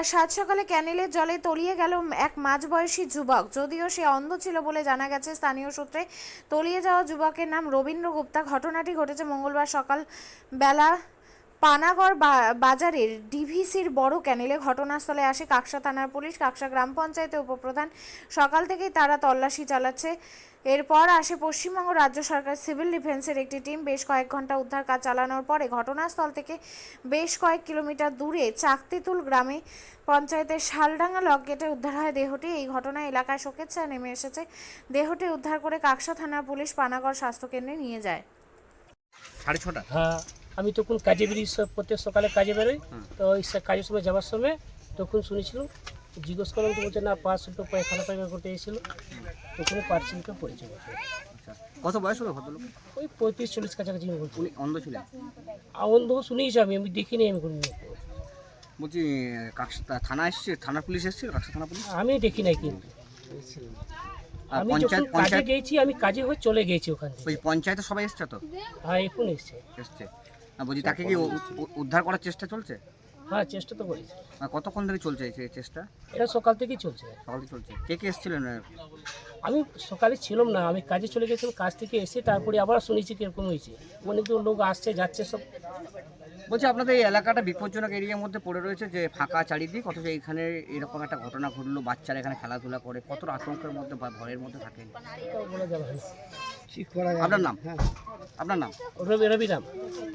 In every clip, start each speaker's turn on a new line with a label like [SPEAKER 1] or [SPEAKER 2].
[SPEAKER 1] সাত সকালে ক্যানেলের জলে তলিয়ে গেল এক মাঝবয়সী যুবক। যদিও সে অন্ধ ছিল বলে জানা গেছে স্থানীয় সূত্রে। তলিয়ে যাওয়া যুবকের নাম রবীন্দ্র গুপ্তা। ঘটনাটি ঘটেছে মঙ্গলবার সকাল বেলা পানাগড় বাজারের ডিভিসির বড় ক্যানেলে। ঘটনাস্থলে আসে কাকসা থানার পুলিশ, কাকসা গ্রাম পঞ্চায়েতের উপপ্রধান। সকাল থেকেই তারা তল্লাশি চালাচ্ছে। এরপর আসে পশ্চিমবঙ্গ রাজ্য সরকার সিভিল ডিফেন্সের একটি টিম। বেশ কয়েক ঘন্টা উদ্ধার কাজ চালানোর পরে ঘটনাস্থল থেকে বেশ কয়েক কিলোমিটার দূরে চাকতিতুল গ্রামে পঞ্চায়েতের শালডাঙ্গা লক গেটে উদ্ধার হয় দেহটি। এই ঘটনায় এলাকায় শোকের ছায়া নেমে এসেছে। দেহটি উদ্ধার করে কাকসা থানার পুলিশ পানাগড় স্বাস্থ্যকেন্দ্রে নিয়ে যায়।
[SPEAKER 2] 6:30।
[SPEAKER 3] হ্যাঁ, আমি তখন কাজে বেরিয়ে প্রত্যেক সকালে কাজে বেরোই। তো ওই কাজের সময় যাওয়ার সময় তখন শুনেছিলাম, জিজ্ঞেস করলাম তো বলছে না পাঁচশো পায়খানা পায়খানা করতে এসেছিল, তখন পার্সেন্টটা পড়েছে।
[SPEAKER 2] আচ্ছা, কত বয়স হবে ভদ্রলোক?
[SPEAKER 3] ওই 35-40 কাছাকাছি বলছি।
[SPEAKER 2] উনি অন্ধ ছিলেন?
[SPEAKER 3] অন্ধ শুনেছি, আমি দেখিনি। আমি কোনো
[SPEAKER 2] বলছি কাকসা থানা এসছে, থানা পুলিশ এসেছিল, কাকসা থানা পুলিশ?
[SPEAKER 3] আমি দেখি নাই, কিন্তু
[SPEAKER 2] আর
[SPEAKER 3] আমি যখন কাজে গেছি, আমি কাজে হয়ে চলে গেছি ওখান থেকে।
[SPEAKER 2] ওই পঞ্চায়েতে সবাই এসছে তো?
[SPEAKER 3] হ্যাঁ, এখন এসছে।
[SPEAKER 2] বলছি তাকে কি উদ্ধার করার চেষ্টা চলছে?
[SPEAKER 3] হ্যাঁ, চেষ্টা তো করেছি।
[SPEAKER 2] কতক্ষণ ধরে চলছে এই চেষ্টা?
[SPEAKER 3] এটা সকাল থেকেই চলছে।
[SPEAKER 2] সকাল থেকে চলছে। কে কে এসেছিলেন?
[SPEAKER 3] আমি সকালে ছিলাম না, আমি কাজে চলে গেছিলাম। কাজ থেকে এসে তারপরে আবার শুনেছি কিরকম হয়েছে। অনেকজন লোক আসছে যাচ্ছে সব।
[SPEAKER 2] বলছি আপনাদের এই এলাকাটা বিপজ্জনক এরিয়ার মধ্যে পড়ে রয়েছে, যে ফাঁকা চারিদিক, অথচ এখানে এরকম একটা ঘটনা ঘটলো, বাচ্চারা এখানে খেলাধুলা করে, কতটা আতঙ্কের মধ্যে বা ভয়ের মধ্যে থাকেন?
[SPEAKER 3] বলা যাবে না।
[SPEAKER 2] আপনার নাম? আপনার নাম?
[SPEAKER 3] রবিরাম।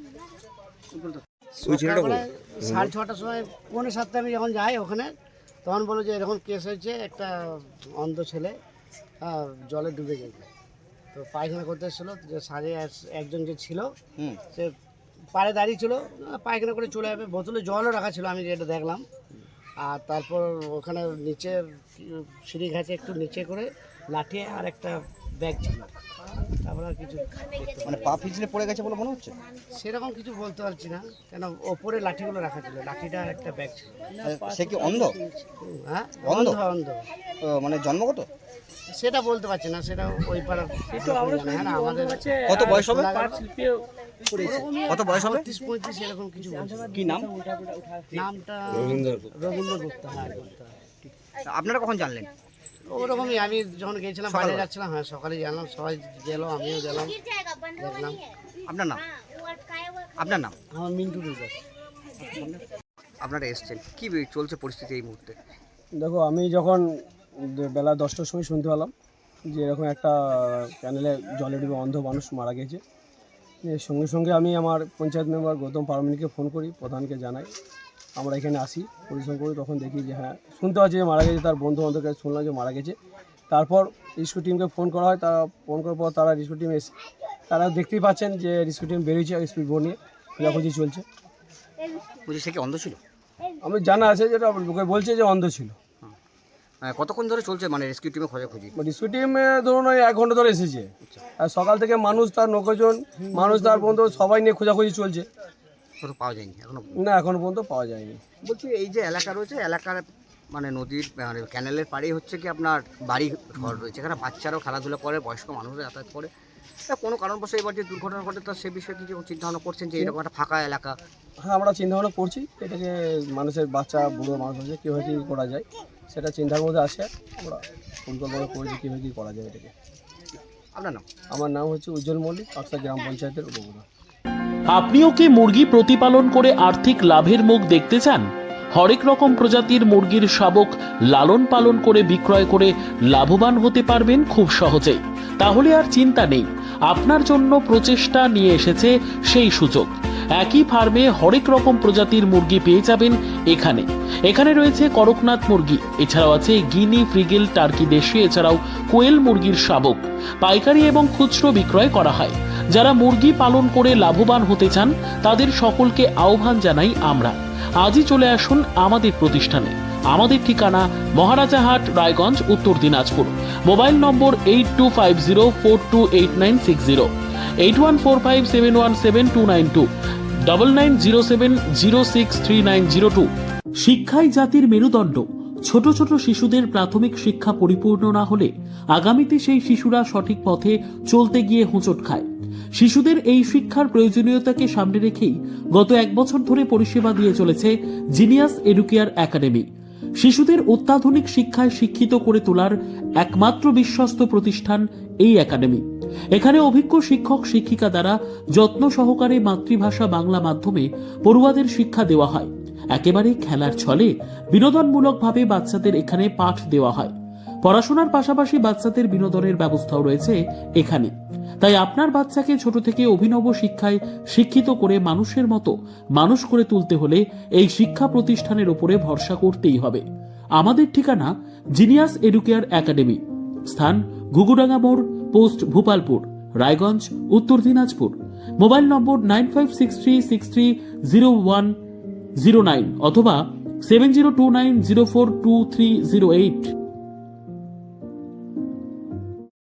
[SPEAKER 4] সকালবেলায় 6:30টার সময় 6:45 আমি যখন যাই ওখানে, তখন বলো যে এরকম কেস হয়েছে, একটা অন্ধ ছেলে জলে ডুবে গেছে। তো পায়খানা করতে এসেছিলো, যে সাড়ে একজন যে ছিল সে পাড়ে দাঁড়িয়ে ছিল, পায়খানা করে চলে যাবে, বোতলে জলও রাখা ছিল, আমি যেটা দেখলাম। আর তারপর ওখানে নিচে সিঁড়ি ঘাটে একটু নিচে করে লাঠি আর একটা ব্যাগ ছিল। তারপর আর কিছু
[SPEAKER 2] মানে পা পিছলে পড়ে গেছে বলে মনে হচ্ছে?
[SPEAKER 4] সেরকম কিছু বলতে পারছি না, কেন ওপরে লাঠিগুলো রাখা ছিল, লাঠিটা আর একটা ব্যাগ ছিল।
[SPEAKER 2] সে কি অন্ধ?
[SPEAKER 4] হ্যাঁ,
[SPEAKER 2] অন্ধ?
[SPEAKER 4] অন্ধ।
[SPEAKER 2] মানে জন্মগত?
[SPEAKER 4] সেটা বলতে পারছি না, সেটা ওই পাড়ার। আমাদের
[SPEAKER 2] কত বয়স হবে? কত বয়স হবে?
[SPEAKER 4] 35-35 এরকম কিছু বলছে।
[SPEAKER 2] কি নাম?
[SPEAKER 4] নামটা রবীন্দ্র গুপ্তা। হ্যাঁ, গুপ্তা।
[SPEAKER 2] আপনারা কখন জানলেন?
[SPEAKER 4] ওরকমই আমি যখন গিয়েছিলাম, বাইরে যাচ্ছিলাম, হ্যাঁ সকালে জানলাম, সবাই গেল, আমিও গেলাম, দেখলাম।
[SPEAKER 2] আপনার নাম? আপনার নাম?
[SPEAKER 4] আমার মিন্টু দাস।
[SPEAKER 2] আপনারা এসছেন, কি চলছে পরিস্থিতি এই মুহূর্তে?
[SPEAKER 5] দেখো, আমি যখন বেলা 10টার সময় শুনতে পেলাম যে এরকম একটা ক্যানেলে জলে ডুবে অন্ধ মানুষ মারা গেছে, সঙ্গে সঙ্গে আমি আমার পঞ্চায়েত মেম্বার গৌতম পারমানিকে ফোন করি, প্রধানকে জানাই। আমরা এখানে আসি, পরিশ্রম করি, তখন দেখি যে হ্যাঁ শুনতে পাচ্ছি যে মারা গেছে। তার বন্ধু বান্ধবের কাছে শুনলাম যে মারা গেছে। তারপর রেস্কিউ টিমকে ফোন করা হয়, তারা ফোন করার পর তারা রেস্কিউ টিম এসে, তারা দেখতেই পাচ্ছেন যে রেস্কিউ টিম বেরিয়েছে স্পিড বোট নিয়ে, খোঁজাখুঁজি চলছে।
[SPEAKER 2] বলছি সে কি অন্ধ ছিল?
[SPEAKER 5] আমি জানা আছে যেটা লোকে বলছে যে অন্ধ ছিল।
[SPEAKER 2] কতক্ষণ ধরে চলছে মানে রেস্কিউ টিমে খোঁজাখুঁজি?
[SPEAKER 5] রেস্কিউ টিম ধরুন ওই 1 ঘন্টা ধরে এসেছে। আর সকাল থেকে মানুষ, তার 9 জন মানুষ, তার বন্ধু সবাই নিয়ে খোঁজাখুঁজি চলছে।
[SPEAKER 2] পাওয়া যায়নি এখনো?
[SPEAKER 5] না, এখনো পর্যন্ত পাওয়া যায়নি।
[SPEAKER 2] বলছি এই যে এলাকা রয়েছে, এলাকার মানে নদীর মানে ক্যানেলের পাড়েই হচ্ছে কি আপনার বাড়ি ঘর রয়েছে, এখানে বাচ্চারাও খেলাধুলা করে, বয়স্ক মানুষরা যাতায়াত করে। কোনো কারণবশত এবার যে দুর্ঘটনা ঘটে, তো সে বিষয়ে কিছু চিন্তা ভাবনা করছেন যে এরকম একটা ফাঁকা এলাকা?
[SPEAKER 5] হ্যাঁ, আমরা চিন্তাভাবনা করছি এটাকে, মানুষের বাচ্চা বুড়ো মানুষ আছে, কীভাবে কী করা যায় সেটা চিন্তার মধ্যে আসে। আমরা পরিকল্পনা করেছি কীভাবে কী করা যায় এটাকে।
[SPEAKER 2] আপনার নাম?
[SPEAKER 5] আমার নাম হচ্ছে উজ্জ্বল মল্লিক, কাকসা গ্রাম পঞ্চায়েতের উপপ্রধান।
[SPEAKER 6] আপনিও কি মুরগি প্রতিপালন করে আর্থিক লাভের মুখ দেখতে চান? হরেক রকম প্রজাতির মুরগির শাবক লালন পালন করে বিক্রয় করে লাভবান হতে পারবেন খুব সহজেই। তাহলে আর চিন্তা নেই, আপনার জন্য প্রচেষ্টা নিয়ে এসেছে সেই সুযোগ। একই ফার্মে হরেক রকম প্রজাতির মুরগি পেয়ে যাবেন এখানে। এখানে রয়েছে করকনাথ মুরগি, এছাড়াও আছে গিনি, ফ্রিগেল, টার্কি দেশি, এছাড়াও কোয়েল মুরগির শাবক। পাইকারি এবং খুচরো বিক্রয় করা হয়। যারা মুরগি পালন করে লাভবান হতে চান তাদের সকলকে আহ্বান জানাই আমরা। আজই চলে আসুন আমাদের প্রতিষ্ঠানে। আমাদের ঠিকানা মহারাজাহাট, রায়গঞ্জ, উত্তর দিনাজপুর। মোবাইল নম্বর 8250428960, 8145717292, 9907063902। শিক্ষাই জাতির মেরুদণ্ড। ছোট ছোট শিশুদের প্রাথমিক শিক্ষা পরিপূর্ণ না হলে আগামীতে সেই শিশুরা সঠিক পথে চলতে গিয়ে হোঁচট খায়। শিশুদের এই শিক্ষার প্রয়োজনীয়তাকে সামনে রেখেই গত 1 বছর ধরে পরিষেবা দিয়ে চলেছে জিনিয়াস এডুকেয়ার একাডেমি। শিশুদের অত্যাধুনিক শিক্ষায় শিক্ষিত করে তোলার একমাত্র বিশ্বস্ত প্রতিষ্ঠান এই একাডেমি। এখানে অভিজ্ঞ শিক্ষক শিক্ষিকা দ্বারা যত্ন সহকারে মাতৃভাষা বাংলা মাধ্যমে পড়ুয়াদের শিক্ষা দেওয়া হয়। একেবারে খেলার ছলে বিনোদনমূলকভাবে বাচ্চাদের এখানে পাঠ দেওয়া হয়। পড়াশোনার পাশাপাশি বাচ্চাদের বিনোদনের ব্যবস্থাও রয়েছে এখানে। তাই আপনার বাচ্চাকে ছোট থেকে অভিনব শিক্ষায় শিক্ষিত করে মানুষের মতো মানুষ করে তুলতে হলে এই শিক্ষা প্রতিষ্ঠানের উপরে ভরসা করতেই হবে। আমাদের ঠিকানা জিনিয়াস এডুকেয়ার একাডেমি, স্থান ঘুঘুডাঙ্গা মোড়, পোস্ট ভূপালপুর, রায়গঞ্জ, উত্তর দিনাজপুর। মোবাইল নম্বর 9563630109 অথবা 7029042308।